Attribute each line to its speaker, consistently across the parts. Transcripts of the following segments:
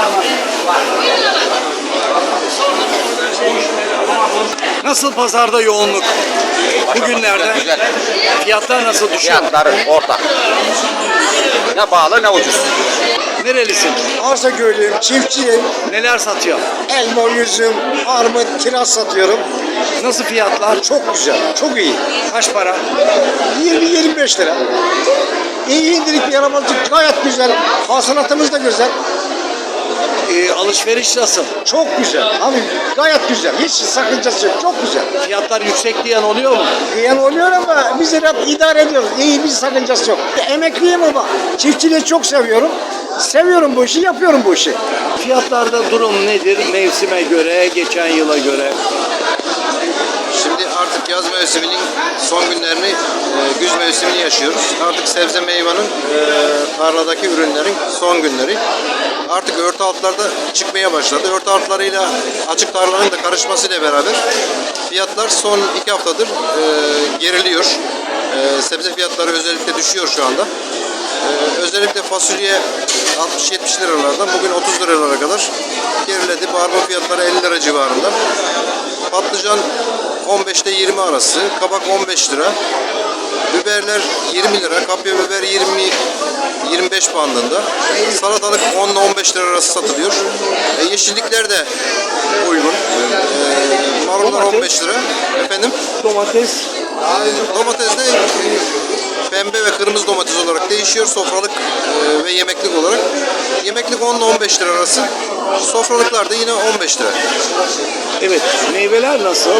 Speaker 1: Nasıl pazarda yoğunluk? Bugünlerde
Speaker 2: Güzel.
Speaker 1: fiyatlar nasıl düşüyor?
Speaker 2: Fiyatlar orta. Ne pahalı ne ucuz.
Speaker 1: Nerelisin?
Speaker 3: Arsaköy'lüyüm, çiftçiyim.
Speaker 1: Neler satıyor?
Speaker 3: Elma, üzüm, armut, kiraz satıyorum.
Speaker 1: Nasıl fiyatlar?
Speaker 3: Çok güzel, çok iyi.
Speaker 1: Kaç para?
Speaker 3: 20-25 lira. İyi indirik bir yaramazlık, gayet güzel. Hasılatımız da güzel.
Speaker 1: Alışveriş nasıl?
Speaker 3: Çok güzel. Abi gayet güzel. Hiç sakıncası yok. Çok güzel.
Speaker 1: Fiyatlar yüksek diyen oluyor mu?
Speaker 3: Yani oluyor ama biz de idare ediyoruz. İyi bir sakıncası yok. Emekliyim ama çiftçiliği çok seviyorum. Seviyorum bu işi, yapıyorum bu işi.
Speaker 1: Fiyatlarda durum nedir? Mevsime göre, geçen yıla göre.
Speaker 4: Şimdi artık yaz mevsiminin son günlerini, güz mevsimini yaşıyoruz. Artık sebze meyvanın, tarladaki ürünlerin son günleri. Artık örtü altlarda çıkmaya başladı. Örtü altlarıyla açık tarlaların da karışmasıyla beraber fiyatlar son 2 haftadır geriliyor. Sebze fiyatları özellikle düşüyor şu anda. Özellikle fasulye 60-70 liralardan bugün 30 liralara kadar geriledi. Barbunya fiyatları 50 lira civarında. Patlıcan 15 ile 20 arası, kabak 15 lira, biberler 20 lira, kapya biber 20-25 bandında, salatalık 10 ile 15 lira arası satılıyor. Yeşillikler de uygun. Marullar 15 lira. Efendim?
Speaker 1: Domates.
Speaker 4: Domates de pembe ve kırmızı domates olarak değişiyor. Sofralık ve yemeklik olarak. Yemeklik 10 ile 15 lira arası. Sofralıklar da yine 15 lira.
Speaker 1: Evet. Meyveler nasıl?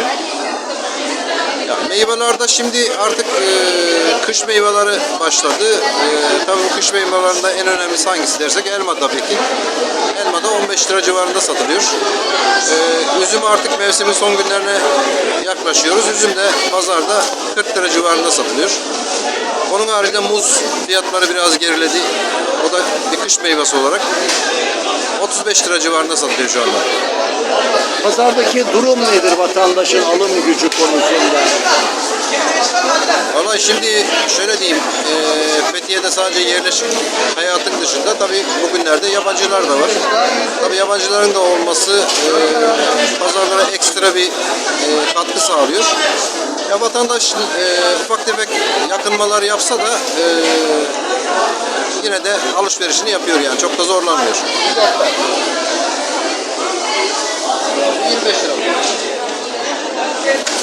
Speaker 4: Ya meyvelerde şimdi artık kış meyveleri başladı. Tabii bu kış meyvelerinde en önemlisi hangisi dersek elma tabii ki. Elma da 15 lira civarında satılıyor. Üzüm artık mevsimin son günlerine yaklaşıyoruz. Üzüm de pazarda 40 lira civarında satılıyor. Onun haricinde muz fiyatları biraz geriledi. O da bir kış meyvesi olarak 35 lira civarında satılıyor şu anda.
Speaker 1: Pazardaki durum nedir vatandaşın alım gücü konusunda?
Speaker 4: Vallahi şimdi şöyle diyeyim, Fethiye'de sadece yerleşik hayatın dışında tabii bugünlerde yabancılar da var. Tabii yabancıların da olması pazarlara ekstra bir katkı sağlıyor. Ya vatandaş ufak tefek yakınmalar yapsa da yine de alışverişini yapıyor yani çok da zorlanmıyor. 25 lira.